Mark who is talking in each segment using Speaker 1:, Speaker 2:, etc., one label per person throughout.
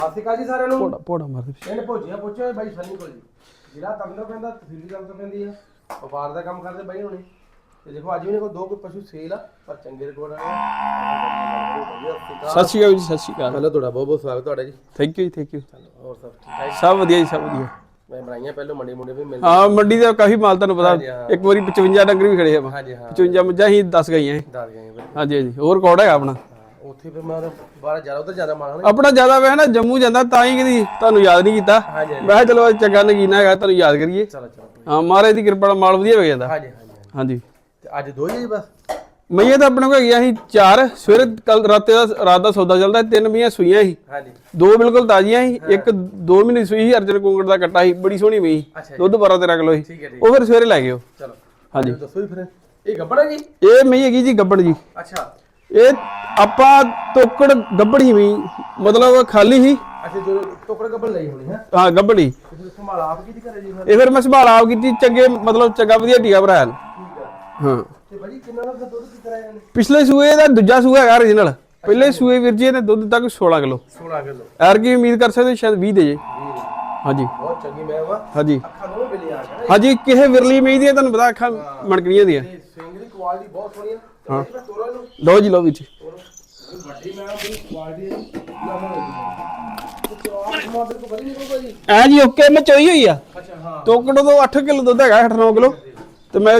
Speaker 1: ਸਾਸਿਕਾ ਜੀ ਸਾਰਿਆਂ ਨੂੰ
Speaker 2: ਪੋੜਾ ਮਾਰਦੇ
Speaker 1: ਪਿੰਡ ਭੋਜੀਆਂ ਪੁੱਛਿਆ ਬਾਈ ਸਨੀ ਕੋਲ ਜੀ ਜਿਹੜਾ ਤੰਦਰ ਪੈਂਦਾ ਤਹਿਸੀਲ ਗੱਲ ਤੋਂ ਪੈਂਦੀ ਆ ਵਪਾਰ ਦਾ ਕੰਮ ਕਰਦੇ ਬਾਈ ਹੁਣੇ ਤੇ ਦੇਖੋ ਅੱਜ ਵੀ ਨੇ ਕੋਈ ਦੋ ਕੋਈ ਪਸ਼ੂ ਸੇਲ ਆ ਪਰ ਚੰਗੇ ਰਿਕਾਰਡ ਆਏ
Speaker 2: ਸਤਿ ਸ਼੍ਰੀ ਅਕਾਲ ਜੀ ਸਤਿ ਸ਼੍ਰੀ ਅਕਾਲ
Speaker 1: ਪਹਿਲਾਂ ਤੁਹਾਡਾ ਬਹੁਤ ਬਹੁਤ ਸਵਾਗਤ ਤੁਹਾਡਾ ਜੀ
Speaker 2: ਥੈਂਕ ਯੂ ਥੈਂਕ ਯੂ
Speaker 1: ਹੋਰ ਸਭ ਠੀਕ ਠਾਕ
Speaker 2: ਸਭ ਵਧੀਆ ਜੀ ਸਭ ਵਧੀਆ
Speaker 1: ਮੈਂ ਬਣਾਈਆਂ ਪਹਿਲਾਂ ਮੰਡੀ ਮੁੰਡੇ ਵੀ ਮਿਲ
Speaker 2: ਹਾਂ ਮੰਡੀ ਦਾ ਕਾਫੀ ਮਾਲ ਤੁਹਾਨੂੰ ਪਤਾ ਇੱਕ ਵਾਰੀ 55 ਡੰਗਰ ਵੀ ਖੜੇ ਆ
Speaker 1: ਹਾਂਜੀ ਹਾਂ
Speaker 2: 55 ਮੱਝਾਂ ਹੀ 10 ਗਈਆਂ
Speaker 1: ਦੱਸ ਗਏ ਬਾਈ
Speaker 2: ਹਾਂਜੀ ਹਾਂਜੀ ਹੋਰ ਰਿਕਾਰਡ ਹੈਗਾ ਆਪਣਾ
Speaker 1: ਉੱਥੇ ਫਿਰ ਮੈਂ 12 ਜ਼ਿਆਦਾ ਉਧਰ ਜ਼ਿਆਦਾ ਮਾਲ
Speaker 2: ਆਪਣਾ ਜ਼ਿਆਦਾ ਵੇ ਨਾ ਜੰਮੂ ਜਾਂਦਾ ਤਾਂ ਹੀ ਕਦੀ ਤੁਹਾਨੂੰ ਯਾਦ ਨਹੀਂ ਕੀਤਾ
Speaker 1: ਹਾਂਜੀ
Speaker 2: ਮੈਂ ਕਿਹਾ ਚਲੋ ਚੰਗਾ ਨਗੀਨਾ ਹੈਗਾ ਤੁਹਾਨੂੰ ਯਾਦ ਕਰੀਏ
Speaker 1: ਚਲੋ ਚਲੋ
Speaker 2: ਹਾਂ ਮਹਾਰਾਜ ਦੀ ਕਿਰਪਾ ਨਾਲ ਮਾਲ ਵਧੀਆ ਹੋ ਜਾਂਦਾ
Speaker 1: ਹਾਂਜੀ ਹਾਂਜੀ
Speaker 2: ਹਾਂਜੀ
Speaker 1: ਤੇ ਅੱਜ ਦੋ ਹੀ ਆ ਜੀ ਬਸ
Speaker 2: ਮਈਆਂ ਤਾਂ ਆਪਣੇ ਕੋਲ ਹੈਗੀਆਂ ਸੀ 4 ਸਵੇਰੇ ਕੱਲ ਰਾਤ ਦਾ ਸੌਦਾ ਚੱਲਦਾ 3 ਮਈਆਂ ਸੂਈਆਂ ਸੀ
Speaker 1: ਹਾਂਜੀ
Speaker 2: 2 ਬਿਲਕੁਲ ਤਾਜ਼ੀਆਂ ਸੀ ਇੱਕ 2 ਮਹੀਨੇ ਸੂਈ ਸੀ ਅਰਜਨ ਕੁੰਗੜ ਦਾ ਕੱਟਾ ਸੀ ਬੜੀ ਸੋਹਣੀ ਮਈ
Speaker 1: ਅੱਛਾ
Speaker 2: ਦੁੱਧ 12-13 ਕਿਲੋ ਸੀ
Speaker 1: ਠੀਕ ਹੈ ਠੀਕ
Speaker 2: ਉਹ ਫਿਰ ਸਵੇਰੇ ਲੈ ਗਏ ਉਹ
Speaker 1: ਚਲੋ
Speaker 2: ਹਾਂਜੀ
Speaker 1: ਦੱਸੋ ਜੀ ਫਿਰ ਇਹ ਗੱਬੜਾ ਜੀ
Speaker 2: ਇਹ ਮਈ ਹੈਗੀ ਜੀ ਗੱਬੜ ਜੀ
Speaker 1: ਅੱਛਾ
Speaker 2: ਇਹ ਆਪਾਂ ਤੋਕੜ ਗੱਬੜ ਹੀ ਮਈ ਮਤਲਬ ਖਾਲੀ ਸੀ
Speaker 1: ਅੱਛਾ ਜੋ ਟੋਕਰਾ ਗੱਬੜ ਲਈ ਹੋਣੀ ਹੈ
Speaker 2: ਹਾਂ ਗੱਬੜੀ
Speaker 1: ਤੁਸੀਂ ਸੰਭਾਲ ਆਪ ਕੀਤੀ ਘਰੇ ਜੀ ਫਿਰ
Speaker 2: ਇਹ ਫਿਰ ਮੈਂ ਸੰਭਾਲ ਆਪ ਕੀਤੀ ਚੰਗੇ ਮਤਲਬ ਚੰਗਾ ਵਧੀਆ ਟੀਕਾ ਭਰਾਇਆ
Speaker 1: ਠੀਕ ਹੈ
Speaker 2: ਹਾਂ
Speaker 1: ਤੇ ਭਾਜੀ ਕਿੰਨਾ ਦਾ ਦੁੱਧ ਕੀ ਕਰਾਇਆ ਨੇ
Speaker 2: ਪਿਛਲੇ ਸੂਏ ਦਾ ਦੂਜਾ ਸੂਆ ਹੈਗਾ origignal ਪਹਿਲੇ ਸੂਏ ਵੀਰ ਜੀ ਇਹਨੇ ਦੁੱਧ ਤੱਕ 16 ਕਿਲੋ
Speaker 1: 16 ਕਿਲੋ
Speaker 2: ਐਰ ਕੀ ਉਮੀਦ ਕਰ ਸਕਦੇ ਸ਼ਾਇਦ 20 ਦੇ ਜੇ ਹਾਂਜੀ
Speaker 1: ਬਹੁਤ ਚੰਗੀ ਮੈਂ ਵਾ
Speaker 2: ਹਾਂਜੀ
Speaker 1: ਅੱਖਾਂ ਦੋਵੇਂ ਬਿਲੀ ਆ ਗਿਆ
Speaker 2: ਹਾਂਜੀ ਕਿਸੇ ਵਿਰਲੀ ਮਈ ਦੀ ਤੁਹਾਨੂੰ ਪਤਾ ਅੱਖਾਂ ਮਣਕਣੀਆਂ ਦੀਆਂ
Speaker 1: ਤੇ ਸਿੰਗ ਦੀ ਕੁਆਲਿਟੀ ਬਹੁਤ ਸੋਹਣੀ ਆ ਤੇ ਮੈਂ ਤੋਰਾ ਨੂੰ
Speaker 2: ਲਓ ਜੀ ਲਓ ਵਿੱਚ
Speaker 1: ਵੱਡੀ ਮੈਂ ਦੀ ਕੁਆਲਿਟੀ ਹੈ ਤੇ ਚਾਰ ਮਾਡਲ ਤੋਂ ਬੜੀ ਨਿਕਲੂਗਾ ਜੀ
Speaker 2: ਐ ਜੀ ਓਕੇ ਮੈਂ ਚੋਈ ਹੋਈ ਆ
Speaker 1: ਅੱਛਾ ਹਾਂ
Speaker 2: ਤੋਕੜੋ ਤੋਂ 8 ਕਿਲੋ ਦੁੱਧ ਹੈਗਾ 8-9 ਕਿਲੋ ਤੇ ਮੈਂ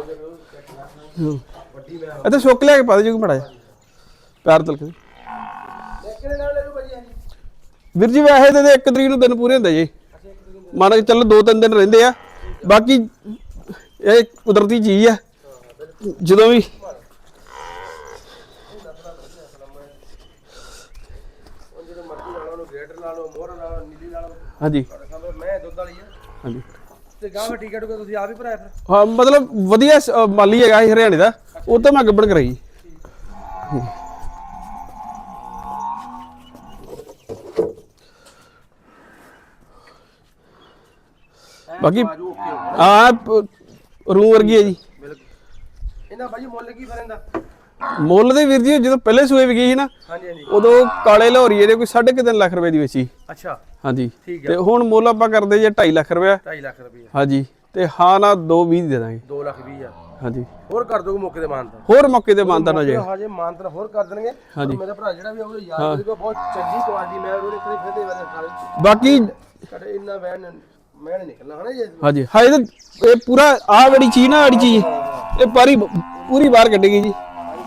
Speaker 1: ਵੱਡੀ ਮੈਂ
Speaker 2: ਇੱਥੇ ਸੁੱਕ ਲਿਆ ਕੇ ਪਾ ਦੇ ਜੋ ਮੜਾ ਪੈਰ ਤਲ ਕੇ
Speaker 1: ਕਿਹੜੇ ਨਾਲ ਲੈ ਲੂ ਭਾਜੀ ਹਾਂਜੀ
Speaker 2: ਵੀਰ ਜੀ ਵੈਸੇ ਤੇ 1 ਤਰੀਕ ਨੂੰ ਦਿਨ ਪੂਰੇ ਹੁੰਦੇ ਜੀ ਮੰਨ ਕੇ ਚੱਲੋ 2-3 ਦਿਨ ਰਹਿੰਦੇ ਆ ਬਾਕੀ ਇਹ ਕੁਦਰਤੀ ਚੀਜ਼ ਆ ਜਦੋਂ ਵੀ
Speaker 1: ਜਦੋਂ ਮਰਜ਼ੀ ਲਾ ਲਓ ਗ੍ਰੇਟਰ ਲਾ ਲਓ ਮੋਹਰ ਲਾ ਲਓ ਨੀਲੀ ਲਾ ਲਓ
Speaker 2: ਹਾਂਜੀ
Speaker 1: ਮੈਂ ਦੁੱਧ ਵਾਲੀ ਆ
Speaker 2: ਹਾਂਜੀ
Speaker 1: ਤੇ ਗਾਂ ਫਿਰ ਟਿਕਟ ਕੋ ਤੁਸੀਂ ਆਪ ਹੀ ਭਰਾਇਆ ਫਿਰ
Speaker 2: ਹਾਂ ਮਤਲਬ ਵਧੀਆ ਮਾਲੀ ਹੈਗਾ ਇਹ ਹਰਿਆਣੇ ਦਾ ਉਹ ਤਾਂ ਮੈਂ ਗੱਬੜ ਕਰਾਈ ਬਾਕੀ ਆ ਰੂ ਵਰਗੀ ਹੈ ਜੀ
Speaker 1: ਬਿਲਕੁਲ ਇਹਨਾਂ ਭਾਜੀ ਮੁੱਲ ਕੀ ਫਿਰ ਇਹਦਾ
Speaker 2: ਮੁੱਲ ਦੇ ਵੀਰ ਜੀ ਜਦੋਂ ਪਹਿਲੇ ਸੂਏ ਵੀ ਗਈ ਸੀ ਨਾ
Speaker 1: ਹਾਂਜੀ ਹਾਂਜੀ
Speaker 2: ਉਦੋਂ ਕਾਲੇ ਲਾਹੌਰੀਏ ਦੇ ਕੋਈ 3.5 ਲੱਖ ਰੁਪਏ ਦੀ ਵੇਚੀ
Speaker 1: ਅੱਛਾ
Speaker 2: ਹਾਂਜੀ
Speaker 1: ਠੀਕ
Speaker 2: ਤੇ ਹੁਣ ਮੁੱਲ ਆਪਾਂ ਕਰਦੇ ਜੇ 2.5 ਲੱਖ ਰੁਪਏ
Speaker 1: 2.5 ਲੱਖ ਰੁਪਏ
Speaker 2: ਹਾਂਜੀ ਤੇ ਹਾਂ ਨਾ 2.20 ਦੇ ਦਾਂਗੇ
Speaker 1: 2 ਲੱਖ 20 ਹਜ਼ਾਰ
Speaker 2: ਹਾਂਜੀ
Speaker 1: ਹੋਰ ਕਰ ਦੋਗੇ ਮੌਕੇ ਤੇ ਮਾਨਤਾ
Speaker 2: ਹੋਰ ਮੌਕੇ ਤੇ ਮਾਨਤਾ ਨਾ ਜੇ
Speaker 1: ਹਜੇ ਮਾਨਤਾ ਹੋਰ ਕਰ ਦੇਣਗੇ
Speaker 2: ਹਾਂਜੀ।
Speaker 1: ਮੇਰਾ ਭਰਾ ਜਿਹੜਾ ਵੀ ਆਉਂਦਾ ਯਾਰ ਉਹਦੇ ਕੋਲ ਬਹੁਤ ਚੰਗੀ ਕੁਆਲਿਟੀ ਮੈਂ ਉਹਦੇ ਕੋਲ ਫਿਰਦੇ ਵਾਲੇ ਨਾਲ
Speaker 2: ਬਾਕੀ
Speaker 1: ਕਦੇ ਇੰਨਾ ਵੈਨ ਮੈਂ ਨਹੀਂ ਨਿਕਲਣਾ ਹਨਾ ਜੀ
Speaker 2: ਹਾਂਜੀ ਹਾਏ ਤਾਂ ਇਹ ਪੂਰਾ ਆਹ ਵਾਲੀ ਚੀਜ਼ ਨਾ ਆੜੀ ਚੀਜ਼ ਇਹ ਪੂਰੀ ਬਾਹਰ ਕੱਢੇਗੀ ਜੀ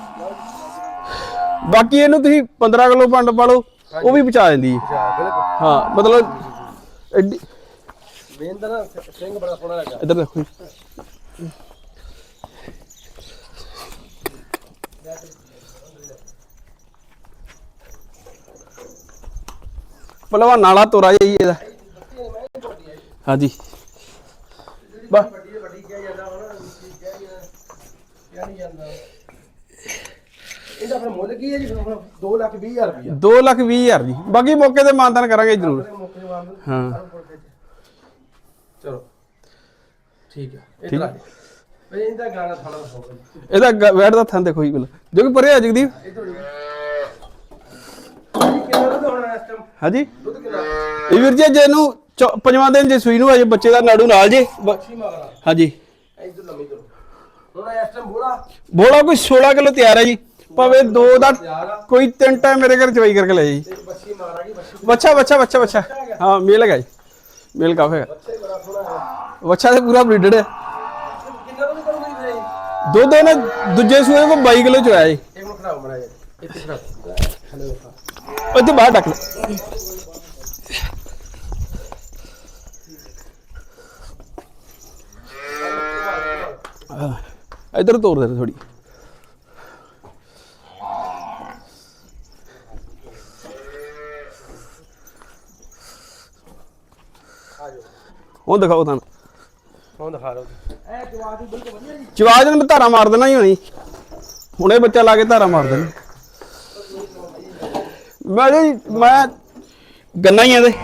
Speaker 2: ਬਾਕੀ ਇਹਨੂੰ ਤੁਸੀਂ 15 ਕਿਲੋ ਪੰਡ ਪਾ ਲਓ ਉਹ ਵੀ ਪਹੁੰਚਾ ਦਿੰਦੀ ਹੈ
Speaker 1: ਅੱਛਾ ਬਿਲਕੁਲ
Speaker 2: ਹਾਂ ਮਤਲਬ ਐਡੀ
Speaker 1: ਮੇਨ ਤਾਂ ਨਾ ਸਿੰਘ ਬੜਾ ਸੋਹਣਾ ਲੱਗਾ
Speaker 2: ਇੱਧਰ ਦੇਖੋ ਜੀ ਪਹਿਲਾਂ ਨਾਲਾ ਤੋਰਾ ਜਾਈ ਇਹਦਾ ਹਾਂਜੀ
Speaker 1: ਵੱਡੀ ਕਿਹਾ ਜਾਂਦਾ ਹੁਣ ਕਿਹਾ ਨਹੀਂ ਜਾਂਦਾ ਇਹਦਾ ਫਿਰ ਮੁੱਲ ਕੀ ਹੈ ਜੀ 2 ਲੱਖ 20 ਹਜ਼ਾਰ ਰੁਪਇਆ
Speaker 2: 2,20,000 ਜੀ ਬਾਕੀ ਮੌਕੇ ਤੇ ਮਾਨਤਾਨ ਕਰਾਂਗੇ ਜ਼ਰੂਰ
Speaker 1: ਮੌਕੇ ਤੇ ਮਾਰ
Speaker 2: ਹਾਂ
Speaker 1: ਚਲੋ ਠੀਕ ਹੈ ਇਹ ਤਾਂ ਬਈ ਇਹਦਾ ਗਾਣਾ ਥੋੜਾ ਹੋਊਗਾ
Speaker 2: ਇਹਦਾ ਵੈਟ ਦਾ ਥਾਂ ਦੇਖੋ ਜੀ ਬਿਲ ਜੋ ਕਿ ਪਰੇ ਆ ਜਗਦੀਪ
Speaker 1: ਇਧਰ ਕਿੰਨਾ ਦੁੱਧ ਹੋਣਾ ਇਸ ਟਾਈਮ
Speaker 2: ਹਾਂਜੀ
Speaker 1: ਦੁੱਧ ਕਿੰਨਾ
Speaker 2: ਇਹ ਵੀਰ ਜੀ ਜੇ ਇਹਨੂੰ 5ਵਾਂ ਦਿਨ ਜੇ ਸੂਈ ਨੂੰ ਅਜੇ ਬੱਚੇ ਦਾ ਨਾੜੂ ਨਾਲ ਜੇ
Speaker 1: ਮੱਛੀ ਮਗਰਾ
Speaker 2: ਹਾਂਜੀ
Speaker 1: ਇਧਰ ਲੰਮੀ ਕਰੋ ਹੁਣ ਇਸ ਟਾਈਮ
Speaker 2: ਬੋਲਾ ਕੋਈ 16 ਕਿਲੋ ਤਿਆਰ ਹੈ ਜੀ ਭਾਵੇਂ 2 ਦਾ ਕੋਈ 3 ਟਾਈਮ ਮੇਰੇ ਘਰ ਚਵਾਈ ਕਰਕੇ ਲੈ ਜੀ
Speaker 1: ਮੱਛੀ ਮਗਰਾ ਕੀ ਮੱਛੀ
Speaker 2: ਬੱਚਾ ਹਾਂ ਮੇਲ ਹੈਗਾ ਜੀ ਮੇਲ ਕਾਫੀ ਹੈਗਾ
Speaker 1: ਬੱਚੇ ਬੜਾ ਸੋਹਣਾ ਹੈ
Speaker 2: ਬੱਚਾ ਤੇ ਪੂਰਾ ਬਰੀਡਡ ਹੈ
Speaker 1: ਕਿੰਨਾ ਦੁੱਧ ਕਰੂਗੀ ਜੀ ਫਿਰ
Speaker 2: ਦੁੱਧ ਇਹਨੇ ਦੂਜੇ ਸੂਏ ਕੋ 22 ਕਿਲੋ ਚੋਇਆ ਜੀ
Speaker 1: ਇਹ ਨੂੰ ਖਰਾਬ ਮਰਾ ਇੱਥੇ ਖਰਾਬ ਹਲੋ
Speaker 2: ਇੱਥੇ ਬਾਹਰ ਡੱਕ ਲੈ ਇੱਧਰ ਤੋਰ ਦੇ ਥੋੜੀ ਉਹ ਦਿਖਾਓ ਤੁਹਾਨੂੰ
Speaker 1: ਹੁਣ ਦਿਖਾ ਲਓ ਇਹ ਜਵਾਬ ਦੀ ਬਿਲਕੁਲ ਵਧੀਆ ਜੀ
Speaker 2: ਚਵਾਜ ਨੂੰ ਧਾਰਾ ਮਾਰ ਦੇਣਾ ਹੀ ਹੋਣੀ ਹੁਣੇ ਬੱਚਾ ਲਾ ਕੇ ਧਾਰਾ ਮਾਰ ਦੇਣਾ ਮੈਂ ਗੰਨਾ ਹੀ ਆ ਇਹਦੇ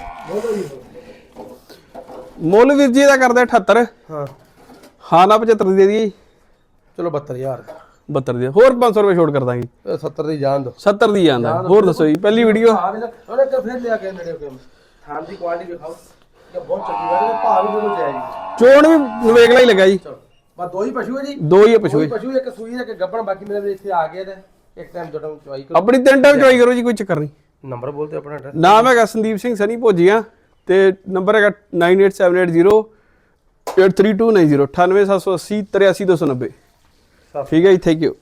Speaker 2: ਮੁੱਲ ਵੀਰ ਜੀ ਦਾ ਕਰਦੇ 78
Speaker 1: ਹਾਂ
Speaker 2: ਹਾਂ ਨਾ 75 ਦੇ ਦਈਏ
Speaker 1: ਚਲੋ 72000
Speaker 2: 72 ਦੀ ਹੋਰ 500 ਰੁਪਏ ਛੋਟ ਕਰ ਦਾਂਗੇ
Speaker 1: 70 ਦੀ ਜਾਨ ਦੋ
Speaker 2: 70 ਦੀ ਜਾਂਦਾ ਹੋਰ ਦੱਸੋ ਜੀ ਪਹਿਲੀ ਵੀਡੀਓ
Speaker 1: ਆ ਵੀ ਉਹਨੇ ਇੱਕ ਫਿਰ ਲਿਆ ਕੇ ਨੇੜੇ ਕੇ ਥਾਂ ਦੀ ਕੁਆਲਿਟੀ ਵੇਖਾਓ ਇਹ ਬਹੁਤ ਚੰਗੀ ਗੱਲ ਹੈ ਭਾਅ ਵੀ ਬਿਲਕੁਲ ਜਾਇਜ਼ ਜੀ
Speaker 2: ਚੋਣ ਵੀ ਨਵੇਕਲਾ ਹੀ ਲੱਗਾ ਜੀ
Speaker 1: ਚਲੋ ਬਸ ਦੋ ਹੀ ਪਸ਼ੂ ਹੈ ਜੀ
Speaker 2: ਦੋ ਹੀ ਆ ਪਸ਼ੂ
Speaker 1: ਕੋਈ ਪਸ਼ੂ ਇੱਕ ਸੂਈ ਹੈ ਕਿ ਗੱਬਣ ਬਾਕੀ ਮੇਰੇ ਵੀ ਇੱਥੇ ਆ ਗਏ ਤੇ ਇੱਕ ਟਾਈਮ ਦੋ ਟਾਈਮ ਚਵਾਈ ਕਰੋ
Speaker 2: ਆਪਣੀ 3 ਟਾਈਮ ਚੋਈ ਕਰੋ ਜੀ ਕੋਈ ਚੱਕਰ ਨਹੀਂ
Speaker 1: ਨੰਬਰ ਬੋਲਤੇ ਆਪਣਾ ਐਡਰੈਸ
Speaker 2: ਨਾਮ ਹੈਗਾ ਸੰਦੀਪ ਸਿੰਘ ਸਨੀ ਭੋਜੀਆਂ ਤੇ ਨੰਬਰ ਹੈਗਾ 9878083290 98780 83290
Speaker 1: ਸਤਿ
Speaker 2: ਠੀਕ ਹੈ ਜੀ ਥੈਂਕ ਯੂ